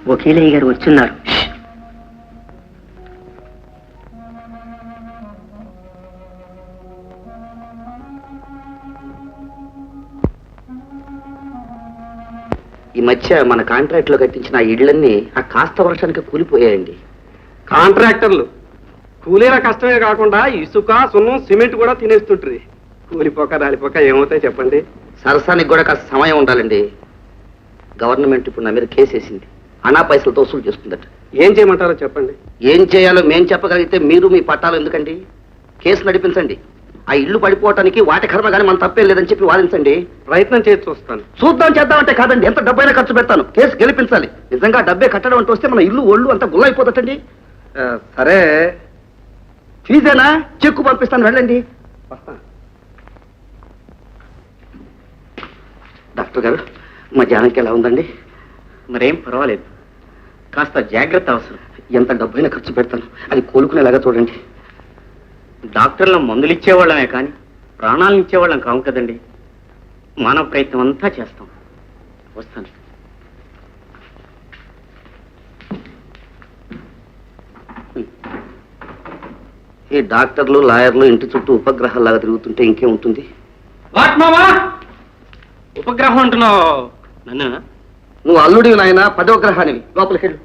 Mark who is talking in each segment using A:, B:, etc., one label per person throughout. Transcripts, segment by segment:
A: వకీలయ్య గారు వచ్చున్నారు.
B: ఈ మధ్య మన కాంట్రాక్ట్ లో కట్టించిన ఆ ఇళ్లన్నీ ఆ కాస్త వర్షానికి కూలిపోయాయండి.
C: కాంట్రాక్టర్లు కూలీల కష్టమే కాకుండా ఇసుక సున్నం సిమెంట్ కూడా తినేస్తుంటారు. కూలిపోక రాలిపోక ఏమవుతాయి చెప్పండి.
B: సరసానికి కూడా కాస్త సమయం ఉండాలండి. గవర్నమెంట్ ఇప్పుడు నా మీద కేసు వేసింది. అనా పైసలతో వసూలు చేస్తుందట.
C: ఏం చేయమంటారో చెప్పండి.
B: ఏం చేయాలో మేం చెప్పగలిగితే మీరు మీ పట్టాలు ఎందుకండి? కేసు నడిపించండి. ఆ ఇల్లు పడిపోవటానికి వాటి కర్మ కానీ మన తప్పేం లేదని చెప్పి వాదించండి.
C: ప్రయత్నం చేసి చూస్తాను.
B: చూద్దాం చేద్దామంటే కాదండి, ఎంత డబ్బైనా ఖర్చు పెడతాను. కేసు గెలిపించాలి. నిజంగా డబ్బే కట్టడం అంటూ వస్తే మన ఇల్లు ఒళ్ళు అంతా గుల్లైపోతుందండి.
C: సరే
B: ఫీజేనా? చెక్కు పంపిస్తాను, వెళ్ళండి. డాక్టర్ గారు, మా జానకి ఎలా ఉందండి?
A: మరేం పర్వాలేదు, కాస్త జాగ్రత్త అవసరం.
B: ఎంత డబ్బైనా ఖర్చు పెడతాను, అది కోలుకునేలాగా చూడండి.
A: డాక్టర్లు మందులు ఇచ్చేవాళ్ళమే కానీ ప్రాణాలను ఇచ్చేవాళ్ళం కావు కదండి. మానవ ప్రయత్నం అంతా చేస్తాం. వస్తాను.
B: ఈ డాక్టర్లు లాయర్లు ఇంటి చుట్టూ ఉపగ్రహాల్లాగా తిరుగుతుంటే ఇంకేముంటుంది?
A: ఉపగ్రహం అంటున్నావు నన్ను?
B: నువ్వు అల్లుడివి నాయన, 10వ గ్రహానివి. లోపలికి వెళ్ళు.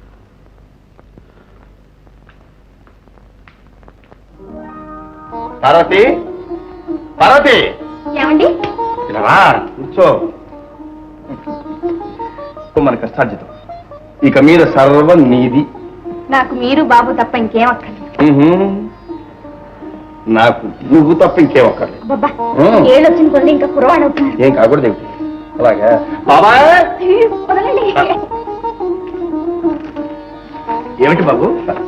D: పార్వతి, పార్వతి,
E: ఏమండి?
D: ఇలా కూర్చో. మన కష్టార్జితం ఇక మీద సర్వం నీది.
E: నాకు మీరు బాబు తప్ప ఇంకేం అక్కర్లేదు.
D: నాకు నువ్వు తప్ప ఇంకేం అక్కర్లేదు.
E: బాబా, ఏళ్ళు వచ్చిన కొద్ది ఇంకా కురవాడు అవుతున్నారు.
D: ఏం కాకూడదు ఏమిటి? అలాగా బాబాయ్.
E: వదలండి.
D: ఏమిటి బాబు?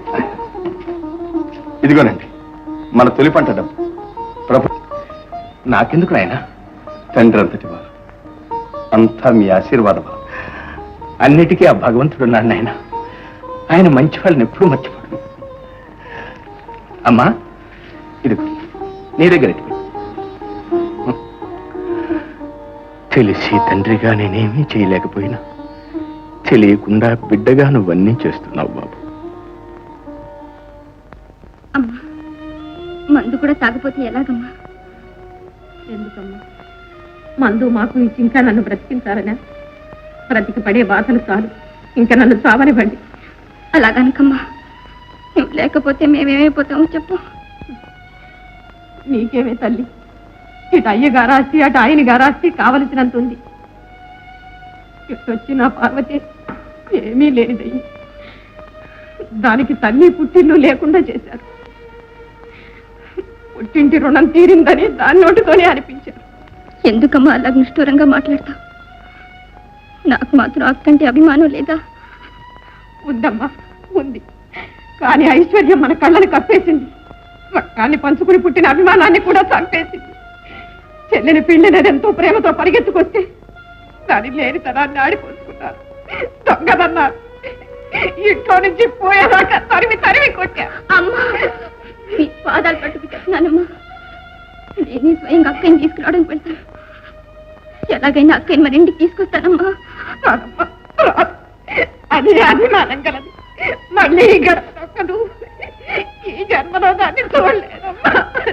D: ఇదిగోనండి మన తొలి పంట డబ్బు. ప్రభు, నాకెందుకు నాయన? తండ్రి అంతటి వారు, అంతా మీ ఆశీర్వాదం. అన్నిటికీ ఆ భగవంతుడు ఉన్నాడు నాయన. ఆయన మంచి వాళ్ళని ఎప్పుడూ మర్చిపోడు. అమ్మా, ఇదిగో నీ దగ్గర తెలిసి తండ్రిగా నేనేమీ చేయలేకపోయినా తెలియకుండా బిడ్డగా నువ్వన్నీ చేస్తున్నావు బాబు.
E: అమ్మా, మందు కూడా తాగిపోతే ఎలాగమ్మా?
F: ఎందుకమ్మా? మందు మాకు ఇచ్చి ఇంకా నన్ను బ్రతికించాలనా? బ్రతికి పడే బాధలు చాలు, ఇంకా నన్ను చావనివ్వండి.
E: అలాగనకమ్మా, నువ్వు లేకపోతే మేమేమైపోతామో చెప్పు.
F: నీకేమే తల్లి, ఇటు అయ్యగారాస్తి అటు ఆయన గారాస్తి కావలసినంత ఉంది. ఇటు వచ్చిన పార్వతి ఏమీ లేనిదయ్యి దానికి తల్లి పుట్టిల్లు లేకుండా చేశారు. పుట్టింటి రుణం తీరిందని దాని నోటితోనే అనిపించారు.
E: ఎందుకమ్మా అలా నిష్ఠూరంగా మాట్లాడతావు? నాకు మాత్రం అక్కంటే అభిమానం లేదా?
F: ఉందమ్మా, ఉంది. కానీ ఐశ్వర్యం మన కళ్ళని కప్పేసింది. రక్తాన్ని పంచుకుని పుట్టిన అభిమానాన్ని కూడా చంపేసింది. చెల్లిని పిండినది ఎంతో ప్రేమతో పరిగెత్తుకొస్తే దాని లేని తనాన్ని ఆడిపోసుకున్నారు. దొంగదన్నారు. ఇంట్లో నుంచి పోయేదాకా తరిమి తరిమి కొట్టా.
E: అమ్మా, మీ పాదాలు పట్టుకు చెప్తున్నానమ్మా. నేనే స్వయంగా అక్కని తీసుకురావడానికి వెళ్తాను. ఎలాగైనా అక్కని మరి ఇంటికి తీసుకొస్తానమ్మా.
F: అది అభిమానం కలదు. మళ్ళీ గడప దొక్కదు. ఈ జన్మలో దాన్ని చూడలేదమ్మా.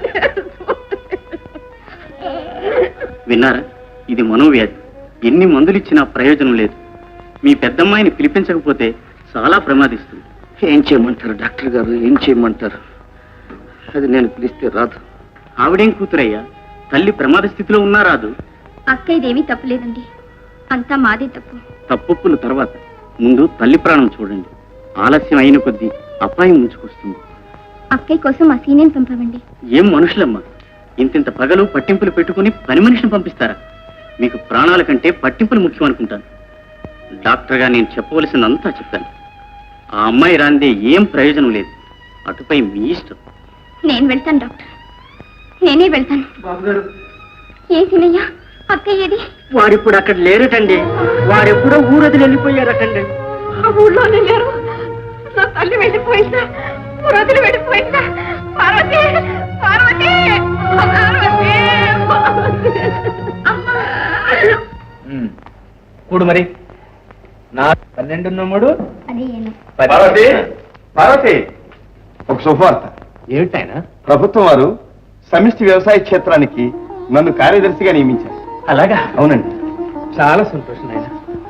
A: విన్నారా? ఇది మనోవ్యాధి. ఎన్ని మందులు ఇచ్చినా ప్రయోజనం లేదు. మీ పెద్దమ్మాయిని పిలిపించకపోతే చాలా ప్రమాదిస్తుంది.
B: ఏం చేయమంటారు డాక్టర్ గారు? ఏం చేయమంటారు? అది నేను పిలిస్తే రాదు.
A: ఆవిడేం కూతురయ్యా? తల్లి ప్రమాద స్థితిలో ఉన్నా రాదు.
E: అక్క ఇదేమీ తప్పులేదండి, అంతా మాదే తప్పు.
A: తప్పుల తర్వాత ముందు తల్లి ప్రాణం చూడండి. ఆలస్యం అయిన కొద్దీ అపాయం ముంచుకొస్తుంది.
E: అక్కయ్య కోసం ఆ సీనియర్ పంపవండి.
A: ఏం మనుషులమ్మా, ఇంతింత పగలు పట్టింపులు పెట్టుకుని పని మనిషిని పంపిస్తారా? మీకు ప్రాణాల కంటే పట్టింపులు ముఖ్యం అనుకుంటాను. డాక్టర్గా నేను చెప్పవలసిందంతా చెప్పాను. ఆ అమ్మాయి రాందే ఏం ప్రయోజనం లేదు. అటుపై మీ ఇష్టం.
E: నేను వెళ్తాను డాక్టర్, నేనే వెళ్తాను. ఏ సీనయ్య, అక్కయ్య ఏది?
A: వారిప్పుడు అక్కడ లేరటండి. వారెప్పుడో ఊరొదిలి వెళ్ళిపోయారటండి.
F: ఆ ఊళ్ళోనే లేరు. నా తల్లి వెళ్ళిపోయిందా? వదిలి వెళ్ళిపోయిందా? పార్వతి, పార్వతి, పార్వతి,
D: కూడు మరి నా 12
E: అది
D: పార్వతి పార్వతి ఒక శుభవార్త. ఏమిటైనా? ప్రభుత్వం వారు సమిష్టి వ్యవసాయ క్షేత్రానికి నన్ను కార్యదర్శిగా నియమించారు. అలాగా? అవునండి. చాలా సంతోషం నాయన.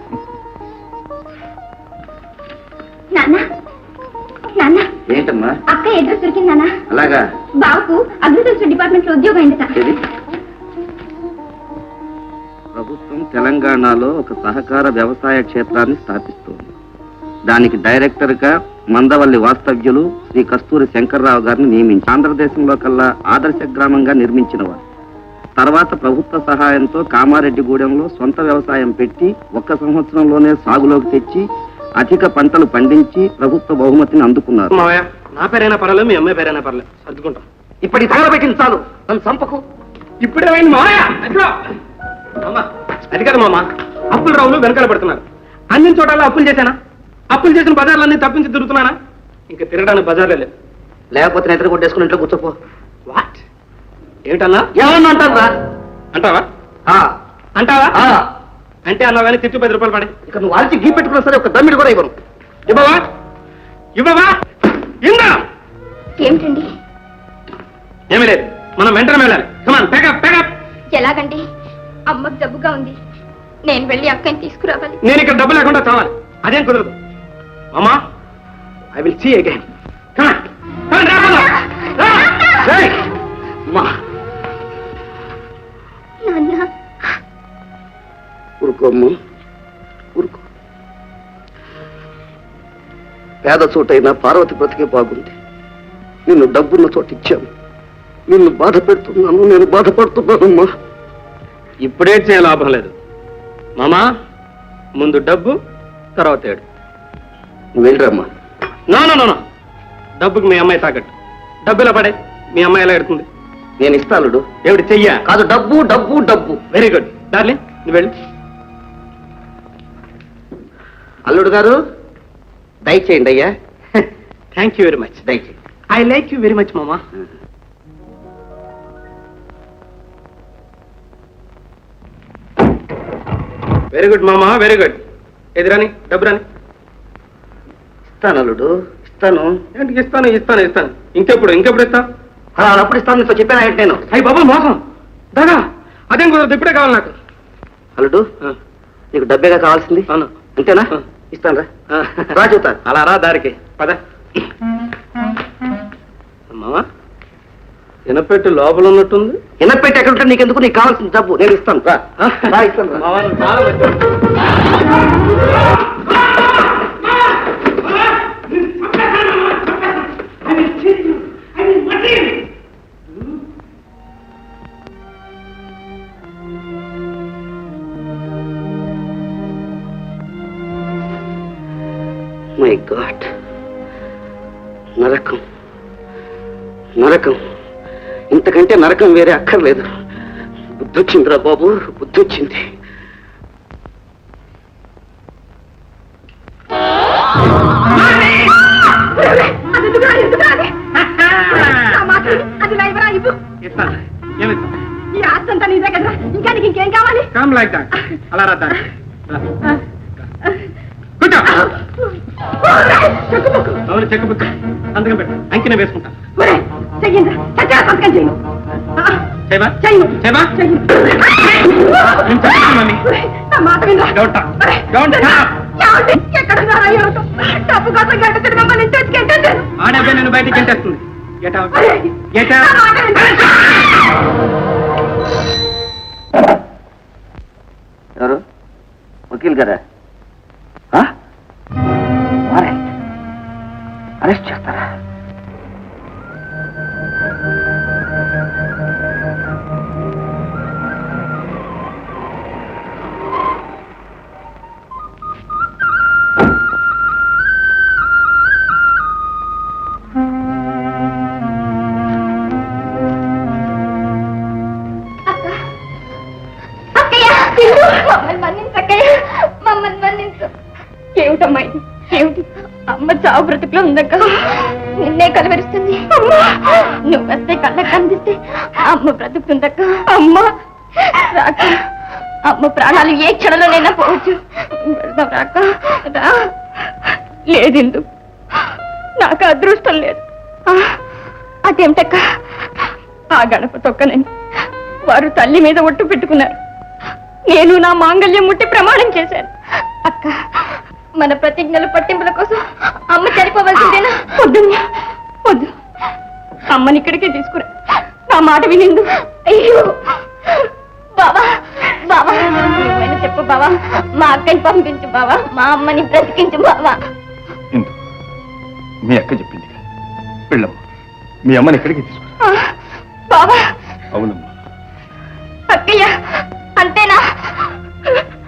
E: నాన్న నాన్న
B: ఏంటమ్మా?
E: అక్క అడ్రస్ దొరికింది నాన్న.
B: అలాగా?
E: బాబుకు అగ్రికల్చర్ డిపార్ట్మెంట్ లో ఉద్యోగం అయిందట.
B: ఏది? ప్రభుత్వం తెలంగాణలో ఒక సహకార వ్యవసాయ క్షేత్రాన్ని స్థాపిస్తోంది. దానికి డైరెక్టర్ గా మందవల్లి వాస్తవ్యులు శ్రీ కస్తూరి శంకర్రావు గారిని నియమించి ఆంధ్రదేశంలో కల్లా ఆదర్శ గ్రామంగా నిర్మించిన వారు. తర్వాత ప్రభుత్వ సహాయంతో కామారెడ్డిగూడెంలో సొంత వ్యవసాయం పెట్టి 1 సంవత్సరంలోనే సాగులోకి తెచ్చి అధిక పంటలు పండించి ప్రభుత్వ బహుమతిని అందుకున్నారు.
C: మావయ్య, నా పేరైనా పర్లేదు, మీ అమ్మాయి పేరైనా పర్లేదు, సర్దుకుంటాం.
B: ఇప్పటి తగలబెట్టింది చాలు, నన్ను చంపకు.
C: ఇప్పుడేమైంది మావయ్య? అమ్మా, అది కదా మామ, అప్పుల రావులు వెనకాల పడుతున్నారు. అన్ని చోట్ల అప్పులు చేశానా? అప్పులు చేసిన బజార్లన్నీ తప్పించి తిరుగుతున్నానా? ఇంకా తిరగడానికి బజార్లే లేదు.
B: లేకపోతే నిద్ర కొట్టేసుకుని ఇంట్లో కూర్చోపో.
C: వాట్? ఏమిటన్నా?
B: ఏమన్నా అంటారా?
C: అంటావా? అంటావా? అంటే అన్నా కానీ తిట్టు 10 రూపాయలు పడే.
B: ఇక నువ్వు వాల్చి గీ పెట్టుకున్నా సరే ఒక దమ్మిడి కూడా ఇవ్వను.
C: ఇవ్వవా? ఇవ్వవా? ఇందా
E: ఏమిటండి?
C: ఏమీ లేదు, మనం వెంటనే వెళ్ళాలి. Come on, pack up pack up.
E: ఎలాగండి? అమ్మకు జబ్బుగా ఉంది, నేను వెళ్ళి అక్కని తీసుకురావాలి.
C: నేను ఇక్కడ డబ్బు లేకుండా చావాలి, అదేం కుదరదు. అమ్మా, ఐ విల్ సీ అగైన్.
E: నాన్న
B: ఊరుకోమ్మ, ఊరుకో. పేద చోటైనా పార్వతి బ్రతికే బాగుంది. నిన్ను డబ్బున్న చోటు ఇచ్చాను. నిన్ను బాధ పెడుతున్నాను, నేను బాధపడుతున్నానమ్మా.
C: ఇప్పుడే చేయ లాభం లేదు మామా, ముందు డబ్బు తర్వాత ఏడు.
B: నువ్వు వెళ్ళరమ్మా.
C: నో, డబ్బుకి మీ అమ్మాయి తాకట్టు. డబ్బులా పడే, మీ అమ్మాయి ఎలా ఎడుతుంది?
B: నేను ఇస్తానుడు.
C: ఏమిటి చెయ్యా?
B: కాదు, డబ్బు డబ్బు డబ్బు.
C: వెరీ గుడ్ డార్లింగ్, నువ్వు వెళ్ళు.
B: అల్లుడు గారు, దయచేయండి అయ్యా.
C: Thank you very much.
B: దయచేయండి.
C: I like you very much మామా. వెరీ గుడ్ మామా, వెరీ గుడ్. ఏది రాని, డబ్బు రాని.
B: ఇస్తాను అల్లుడు, ఇస్తాను.
C: ఏంటి ఇస్తాను. ఇంకెప్పుడు ఇస్తా?
B: అప్పుడు ఇస్తాను, నీతో చెప్పాను ఏంటి నేను.
C: అయ్యి బాబా, మోసం దాదా, అదేం కుదరదు, ఇప్పుడే కావాలి నాకు.
B: అల్లుడు, నీకు డబ్బేగా కావాల్సింది?
C: అవును.
B: అంతేనా? ఇస్తాను రా. రా చూతా.
C: అలా రా దారికి పద. మామా, ఎనపెట్టు లోపల ఉన్నట్టుంది.
B: ఎనపెట్టి ఎక్కడ ఉంటే నీకెందుకు? నీకు కావాల్సిన డబ్బు నేను ఇస్తాను. రా రా, ఇస్తాను రా.
C: మామా, నువ్వు చాలా మంచివాడు.
B: మై గాడ్, నరకం నరకం, ఇంతకంటే నరకం వేరే అక్కర్లేదు. బుద్ధొచ్చిందిరా బాబు, బుద్ధొచ్చింది.
C: ఇస్తాను. ఏమిస్తా?
F: ఈ ఆస్తి అంతా నీదే కదా, ఇంకా నీకు ఇంకేం కావాలి?
C: Come like that. అలా రా దారి. కూర్చో. అవును, చెక్కబుక్క సంతకం పెట్టు. అంకిన వేసుకుంటా.
F: చెయ్యండి, చచ్చా సంతకం చేయను.
C: చేయవా?
F: చెయ్యను.
C: చేయవా?
F: చెయ్యను.
C: నేను చెప్తాను మమ్మీ.
F: నా మాట వినరా?
C: Don't talk. Don't talk.
F: ఏమండి? ఎక్కడున్నారా ఎవరు? డబ్బు కోసం గంట తిరిగి మమ్మల్ని ఇంటి వచ్చి గంటేశారు.
C: ఆ డబ్బే నేను బయటికి గంటేస్తుంది. Get out. Get
F: నా
C: out.
F: మాట వినరా?
B: ఎవరు? వకీల్ గారా? అరెస్ట్ చేస్తారా?
E: ఏమిటమ్మా ఇది? ఏమిటి? అమ్మ చావు బ్రతుకులో ఉందక్క, నిన్నే కలవరిస్తుంది. నువ్వు వస్తే కళ్ళ కనిపిస్తే అమ్మ బ్రతుకుతుందక్క. అమ్మ రాక అమ్మ ప్రాణాలు ఏ క్షణంలోనైనా పోవచ్చు. వెళ్దాం రాక రా. లేదిందు, నాకు అదృష్టం లేదు. అదేమిటక్క? ఆ గడప తొక్కనని వారు తల్లి మీద ఒట్టు పెట్టుకున్నారు. నేను నా మాంగళ్యం ముట్టి ప్రమాణం చేశాను. అక్క, మన ప్రతిజ్ఞల పట్టింపుల కోసం అమ్మ చనిపోవలసిందేనా? వద్దు వద్దు, అమ్మని ఇక్కడికే తీసుకురా. నా మాట వినిందు. అయ్యో బావా, బావా నువ్వైనా చెప్పు బావా. మా అక్కని పంపించు బావా, మా అమ్మని బ్రతికించు బావా.
D: ఇందు, మీ అక్క చెప్పింది వెళ్ళమ్మా, మీ అమ్మని ఎక్కడికి తీసుకురా.
E: బావా.
D: అవునమ్మా.
E: అక్కయ్య అంతేనా?